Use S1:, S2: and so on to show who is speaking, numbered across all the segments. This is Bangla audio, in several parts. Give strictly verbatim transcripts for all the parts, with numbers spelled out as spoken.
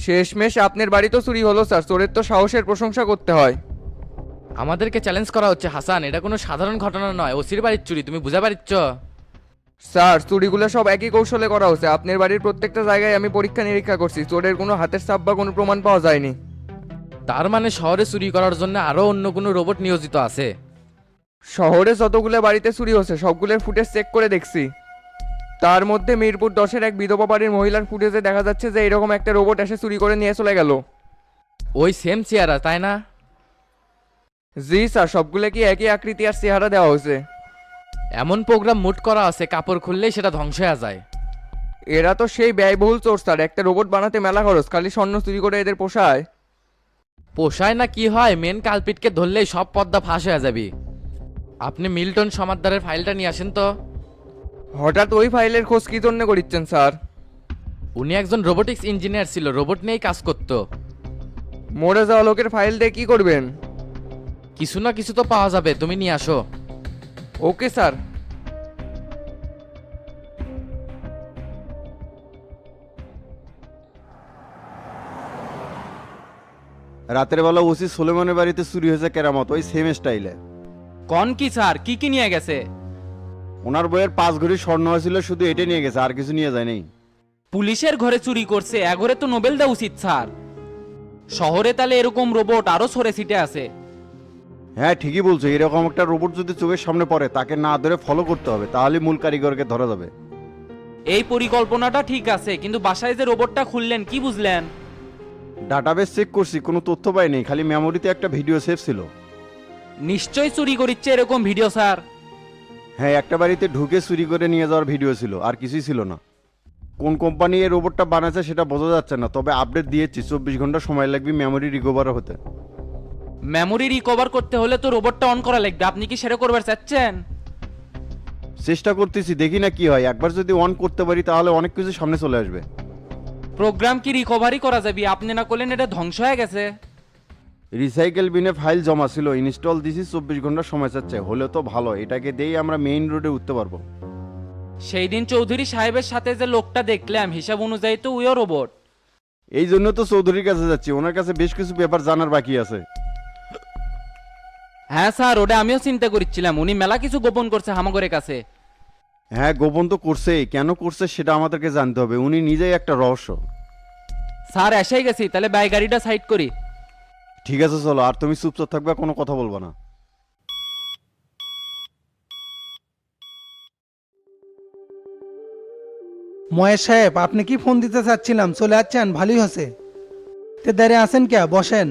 S1: শেষমেশ আপনার বাড়ি তো চুরি হলো স্যার, চোরের তো সাহসের প্রশংসা করতে হয়।
S2: আমাদেরকে চ্যালেঞ্জ করা হচ্ছে হাসান, এটা কোনো সাধারণ ঘটনা নয়, ওসির বাড়ির চুরি, তুমি বুঝা পারিচ্ছ?
S1: স্যার চুরিগুলো সব একই কৌশলে করা হচ্ছে। আপনার বাড়ির প্রত্যেকটা জায়গায় আমি পরীক্ষা নিরীক্ষা করছি, চোরের কোনো হাতের ছাপ বা কোনো প্রমাণ পাওয়া যায়নি।
S2: তার মানে শহরে চুরি করার জন্য আরও অন্য কোনো রোবট নিয়োজিত আছে?
S1: শহরে যতগুলো বাড়িতে চুরি হচ্ছে সবগুলোর ফুটেজ চেক করে দেখছি। তার মধ্যে মিরপুর দশের এক বিধবা বাড়ির মহিলার ফুটেজে দেখা যাচ্ছে যে এরকম একটা রোবট এসে চুরি করে নিয়ে চলে গেল।
S2: ওই সেম চেয়ারা, তাই না?
S1: জি স্যার, সবগুলো কি একই আকৃতি আর চেহারা দেওয়া হয়েছে।
S2: এমন প্রোগ্রাম মুট করা আছে কাপড় খুললেই সেটা ধ্বংস হয়ে যায়।
S1: এরা তো সেই ব্যয়বহুল চোর স্যার, একটা রোবট বানাতে মেলা খরচ, খালি স্বর্ণ চুরি করে এদের পোষায়।
S2: পোষায় না কি হয়, মেন কালপিটকে ধরলেই সব পদ্মা ফাঁস হয়ে যাবে। আপনি মিল্টন সমাদ্দারের ফাইলটা নিয়ে আসেন তো।
S1: হঠাৎ ওই ফাইলের খোঁজ কি জন্য করিচ্ছেন স্যার?
S2: উনি একজন রোবোটিক্স ইঞ্জিনিয়ার ছিল, রোবট নিয়েই কাজ করতো।
S1: মরে যাওয়া লোকের ফাইল দিয়ে কি করবেন?
S2: কিছু না কিছু তো পাওয়া যাবে, তুমি নিয়ে আসো।
S1: Okay sir.
S3: রাতের বেলা ওসি সোলেমানের বাড়িতে চুরি হয়েছে কেরামত, ওই সেম স্টাইলে।
S4: কন কি স্যার, কি কি নিয়ে গেছে?
S3: ওনার বইয়ের পাঁচ ঘড়ি স্বর্ণ হয়েছিল, শুধু এটা নিয়ে গেছে, আর কিছু নিয়ে যায়নি।
S4: পুলিশের ঘরে চুরি করছে, এগরে তো নোবেল দেওয়া উচিত স্যার। শহরে তাহলে এরকম রোবট আরো সরে সিটে আছে।
S3: হ্যাঁ ঠিকই বলছো, এরকম একটা রোবট যদি চোখের সামনে পড়ে তাকে না ধরে ফলো করতে হবে, তাহলে মূল কারিগরকে ধরা যাবে।
S4: এই পরিকল্পনাটা ঠিক আছে, কিন্তু বাসায় যে রোবটটা খুললেন কি বুঝলেন?
S3: ডাটাবেস চেক করছি, কোনো তথ্য পাইনি, খালি মেমোরিতে একটা ভিডিও সেভ ছিল।
S4: নিশ্চয়ই চুরি করিচ্ছে এরকম ভিডিও স্যার।
S3: হ্যাঁ একটা বাড়িতে ঢুকে চুরি করে নিয়ে যাওয়ার ভিডিও ছিল, আর কিছুই ছিল না। কোন কোম্পানি এই রোবটটা বানাচ্ছে সেটা বোঝা যাচ্ছে না, তবে আপডেট দিয়েছি চব্বিশ ঘন্টা সময় লাগবে মেমোরি রিকভার হতে।
S4: মেমোরি রিকভার করতে হলে তো রোবটটা অন করা লাগবে, আপনি কি সেটা করবার চাচ্ছেন?
S3: চেষ্টা করতেছি, দেখি না কি হয়। একবার যদি অন করতে পারি তাহলে অনেক কিছু সামনে চলে আসবে।
S4: প্রোগ্রাম কি রিকভারি করা যাবে? আপনি না করলেন এটা ধ্বংস হয়ে গেছে।
S3: রিসাইকেল বিনে ফাইল জমা ছিল, ইনস্টল দিছি, চব্বিশ ঘন্টা সময় চাচ্ছে, হলে তো ভালো, এটাকে দিয়েই আমরা মেইন রোডে উঠতে পারবো।
S4: সেই দিন চৌধুরী সাহেবের সাথে যে লোকটা দেখলাম, হিসাব অনুযায়ী তো উইও রোবট।
S3: এই জন্য তো চৌধুরীর কাছে যাচ্ছি, ওনার কাছে বেশ কিছু ব্যাপার জানার বাকি আছে।
S4: হ্যাঁ স্যার, ওটা আমিও চিন্তা করছিলাম, উনি মেলা কিছু গোপন করছে হামাগরের কাছে।
S3: হ্যাঁ গোপন তো করছেই, কেন করছে সেটা আমাদেরকে জানতে হবে, উনি নিজেই একটা রহস্য।
S4: স্যার এসেই গেছি, তাহলে বাই গাড়িটা সাইড করি।
S3: ঠিক আছে চলো, আর তুমি চুপচাপ থাকবে, কোনো কথা বলবো না।
S5: মহেশ সাহেব, আপনি কি ফোন দিতে চাচ্ছিলাম, চলে যাচ্ছেন, ভালোই হচ্ছে। তে দাঁড়িয়ে আছেন কে, বসেন।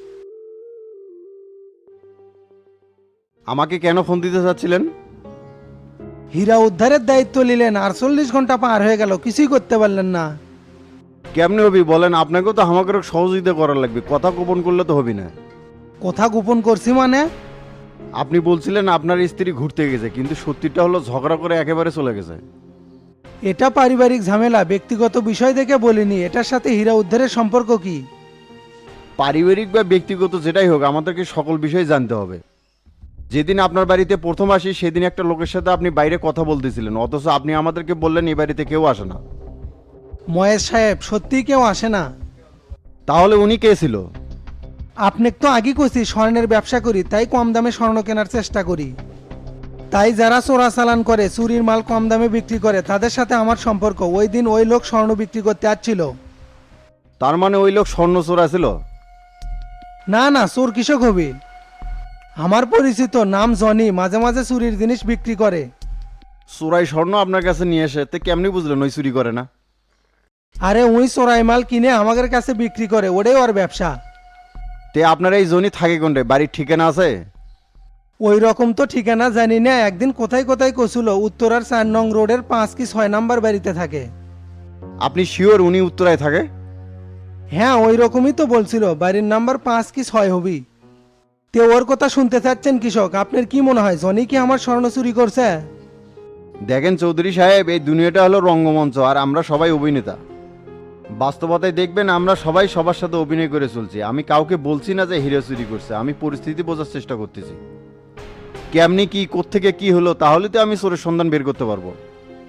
S3: আমাকে কেন ফোন দিতে চাচ্ছিলেন?
S5: হীরা উদ্ধারের দায়িত্ব নিলেন, আটচল্লিশ ঘন্টা পার হয়ে গেল, কিছুই করতে পারলেন না।
S3: কেমনে হবি বলেন? আপনাকেও তো আমাকে সহযোগিতা করার লাগবে, কথা গোপন করলে তো হবি না।
S5: কথা গোপন করছি মানে?
S3: আপনি বলছিলেন আপনার স্ত্রী ঘুরতে গেছে, কিন্তু সত্যিটা হলো ঝগড়া করে একেবারে চলে গেছে।
S5: এটা পারিবারিক ঝামেলা, ব্যক্তিগত বিষয় দেখে বলিনি। এটার সাথে হীরা উদ্ধারের সম্পর্ক কি?
S3: পারিবারিক বা ব্যক্তিগত যেটাই হোক, আমাদেরকে সকল বিষয় জানতে হবে। যেদিন আপনার বাড়িতে প্রথম আসি সেদিন একটা লোকের সাথে আপনি বাইরে কথা বলতেছিলেন, অথচ আপনি আমাদেরকে বললেন এই বাড়িতে কেউ আসে না।
S5: মহেশ সাহেব, সত্যিই কেউ আসে না?
S3: তাহলে উনি কে ছিল?
S5: আপনি তো আগে কইছি স্বর্ণের ব্যবসা করি, তাই কম দামে স্বর্ণ কেনার চেষ্টা করি। তাই যারা চোরাচালান করে, চুরির মাল কম দামে বিক্রি করে, তাদের সাথে আমার সম্পর্ক। ওই দিন ওই লোক স্বর্ণ বিক্রি করতে আসছিল।
S3: তার মানে ওই লোক স্বর্ণ চোরা ছিল?
S5: না না, চোর কৃষক হবি। আমার পরিচিত, নাম জনি, মাঝে মাঝে চুরির জিনিস বিক্রি করে।
S3: চোরাই স্বর্ণ আপনার কাছে নিয়ে এসে তে কেমনি বুঝলেন ওই চুরি করে না?
S5: আরে উই চোরাই মাল কিনে আমাদের কাছে বিক্রি করে, ওটাই ওর ব্যবসা।
S3: তে আপনার এই জনি থাকে কোনটায়? বাড়ির ঠিকানা আছে?
S5: ওই রকম তো ঠিকানা জানি না, একদিন কোথায় কোথায় কছিল, উত্তরার চার নং রোডের পাঁচ কি ছয় নাম্বার বাড়িতে থাকে।
S3: আপনি শিওর উনি উত্তরায় থাকে?
S5: হ্যাঁ ওই রকমই তো বলছিল, বাড়ির নাম্বার পাঁচ কি ছয় হবি। তে ওর কথা শুনতে চাচ্ছেন কৃষক? আপনার কি মনে হয় জনি কি আমার স্বর্ণ চুরি করছে?
S3: দেখেন চৌধুরী সাহেব, এই দুনিয়াটা হলো রঙ্গমঞ্চ, আর আমরা সবাই অভিনেতা। বাস্তবতায় দেখবেন আমরা সবাই সবার সাথে অভিনয় করে চলছি। আমি কাউকে বলছি না যে হিরো চুরি করছে, আমি পরিস্থিতি বোঝার চেষ্টা করতেছি। কেমনি কি কোত্থেকে কি হলো, তাহলে তো আমি চোরের সন্ধান বের করতে পারবো।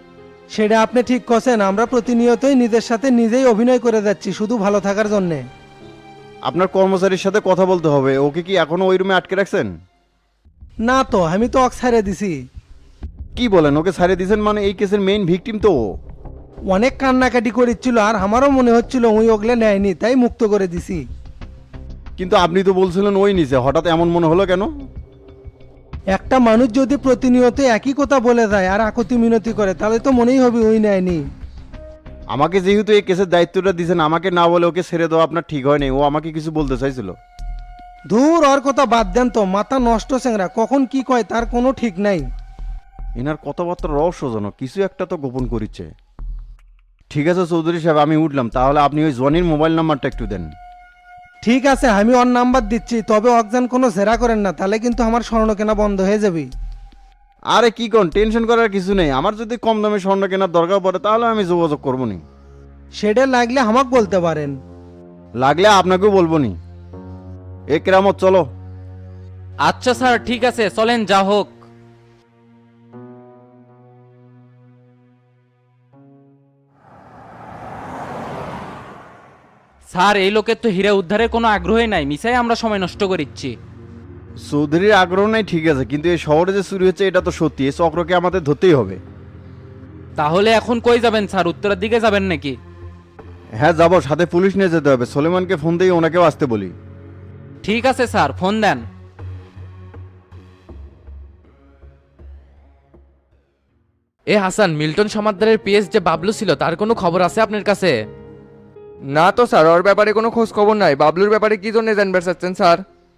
S5: সেটা আপনি ঠিক করছেন, আমরা প্রতিনিয়তই নিজের সাথে নিজেই অভিনয় করে যাচ্ছি শুধু ভালো থাকার জন্যে।
S3: আপনার কর্মচারীর সাথে কথা বলতে হবে, ওকে কি এখনো ওই রুমে আটকে রাখছেন?
S5: না তো, আমি তো অক ছাড়ে দিছি।
S3: কি বলেন, ওকে ছাড়িয়ে দিয়েছেন মানে? এই কেসের মেইন ভিকটিম তো ও।
S5: অনেক কান্নাকাটি করেছিল আর আমারও মনে হচ্ছিল ওই ওগলে নেয়নি, তাই মুক্ত করে দিছি।
S3: কিন্তু আপনি তো বলছিলেন ওই নিচে, হঠাৎ এমন মনে হলো কেন?
S5: একটা মানুষ যদি প্রতিনিয়ত একই কথা বলে যায় আর আকুতি মিনতি করে তাহলে তো মনেই হবে ওই নেয়নি।
S3: আমাকে যেহেতু এই কেসের দায়িত্বটা দিয়েছেন, আমাকে না বলে ওকে ছেড়ে দেওয়া আপনার ঠিক হয়নি। ও আমাকে কিছু বলতে চাইছিল।
S5: দূর, ওর কথা বাদ দেন তো, মাথা নষ্ট চেংরা, কখন কি কয় তার কোনো ঠিক নাই।
S3: এনার কথাবার্তা রহস্যজনক, কিছু একটা তো গোপন করিচ্ছে। ঠিক আছে চৌধুরী সাহেব, আমি উঠলাম। তাহলে আপনি ওই জনির মোবাইল নাম্বারটা একটু দেন।
S5: ঠিক আছে, আমি ওর নাম্বার দিচ্ছি, তবে অকজান কোনো জেরা করেন না, তাহলে কিন্তু আমার স্বর্ণ কেনা বন্ধ হয়ে যাবে।
S3: আরে কি কোন, টেনশন করার কিছু নেই। আমার যদি কম দামে স্বর্ণ কেনার দরকার পড়ে তাহলে আমি যোগাযোগ করবো নি।
S5: সেটা লাগলে আমাকে বলতে পারেন।
S3: লাগলে আপনাকেও বলবো নি। এ কেরামত চলো।
S4: আচ্ছা স্যার, ঠিক আছে, চলেন যা হোক। স্যার, এই লোকের তো হীরা উদ্ধারের কোনো আগ্রহই নাই, মিসাই আমরা সময় নষ্ট করিচ্ছি।
S3: চৌধুরীর আগ্রহ নাই ঠিক আছে, কিন্তু এই শহরে যে চুরি হচ্ছে এটা তো সত্যি। এই চক্রকে আমাদের ধরতেই হবে।
S4: তাহলে এখন কই যাবেন স্যার, উত্তরের দিকে যাবেন নাকি?
S3: হ্যাঁ যাবো, সাথে পুলিশ নিয়ে যেতে হবে। সলেমানকে ফোন দিয়ে ওনাকেও আসতে বলি।
S4: ঠিক আছে স্যার, ফোন দেন।
S2: এ হাসান, মিল্টন সমাদ্দারের পিএস যে বাবলু ছিল তার কোনো খবর আছে আপনার কাছে?
S1: না তো স্যার, ওর ব্যাপারে কোনো খোঁজ খবর নাই। বাবলুর ব্যাপারে কি জন্য জানবার চাচ্ছেন স্যার?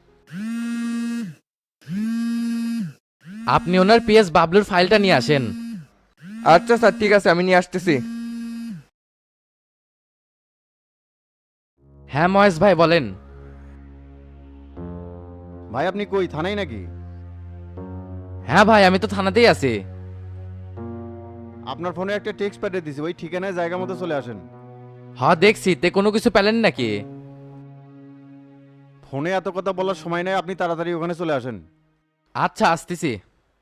S2: আপনি ওনার পিএস বাবলুর ফাইলটা নিয়ে আসেন।
S1: আচ্ছা স্যার, ঠিক আছে, আমি নিয়ে আসতেছি।
S2: হ্যাঁ মহেশ ভাই বলেন।
S3: ভাই আপনি কই, থানায় নাকি?
S2: হ্যাঁ ভাই, আমি তো থানাতেই আছি।
S3: আপনার ফোনে একটা টেক্সট পাঠিয়ে দিছি, ওই ঠিকানায় জায়গা মতো চলে আসেন।
S2: হ্যাঁ দেখছি, তে কোনো কিছু পেলেন নাকি?
S3: ফোনে এত কথা বলার সময় নাই, আপনি তাড়াতাড়ি ওখানে চলে আসেন।
S2: আচ্ছা, আসতেছি।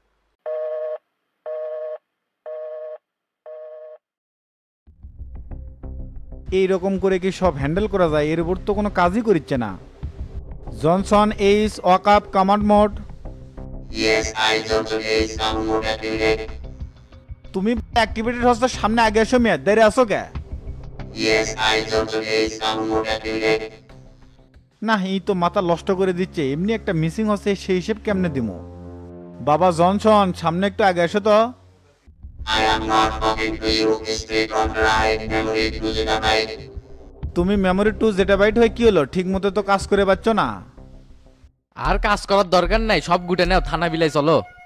S6: এই রকম করে কি সব হ্যান্ডেল করা যায়? এর উপর তো কোনো কাজই করছে না। Johnson is wake up command mode.
S7: Yes, I Johnson is on mode activate.
S6: তুমি অ্যাক্টিভিটি হস্তার সামনে আগে এসো মেয়াদ দেরি আসো কে?
S7: Yes, I Johnson is on mode activate.
S6: না, এই তো মাথা নষ্ট করে দিচ্ছে। এমনি একটা মিসিং হচ্ছে, সেই হিসেব কেমনে দিমু? বাবা জনসন, সামনে একটু আগে এসো তো।
S7: I am not talking to you. Stay on the right memory to the night.
S6: তুমি মেমোরি টু যেটা বাইট হয়ে কি হলো? ঠিক মতো তো কাজ করে পাচ্ছ না।
S2: আর কাজ করার দরকার নাই, সব গুটে নাও, থানা বিলাই চলো।